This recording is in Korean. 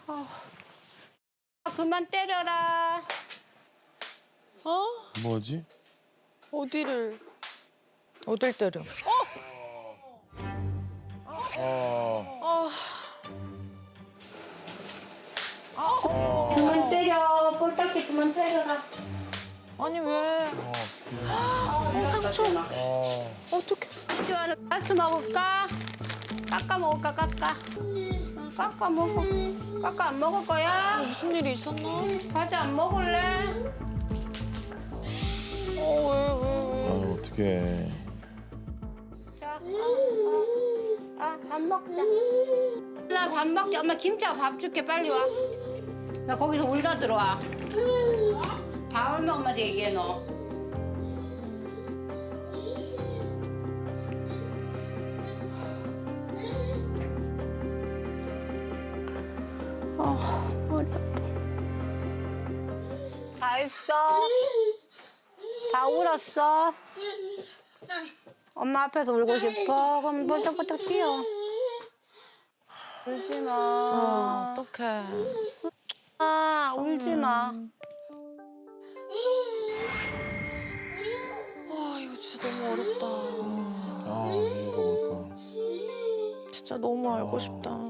그만 때려라. 어? 뭐지? 어디를? 어딜 때려? 그만 때려. 볼딱지 그만 때려라. 아니 왜? 상처. 어떡해. 좋아하는 가스 먹을까? 깎아 먹을까? 깎아. 깎아 먹어. 깎아 안 먹을 거야? 무슨 일이 있었나? 과자 안 먹을래? 왜? 아, 어떡해. 자, 밥 먹자. 나 밥 먹자. 엄마 김치하고 밥 줄게. 빨리 와. 나 거기서 울다 들어와. 밥을 먹으면서 얘기해 너. 다 했어. 다 울었어. 엄마 앞에서 울고 싶어. 그럼 뻘떡뻘떡 뛰어. 울지 마. 어떡해. 울지 마. 이거 진짜 너무 어렵다. 아, 이거 뭘까? 진짜 너무 알고 싶다.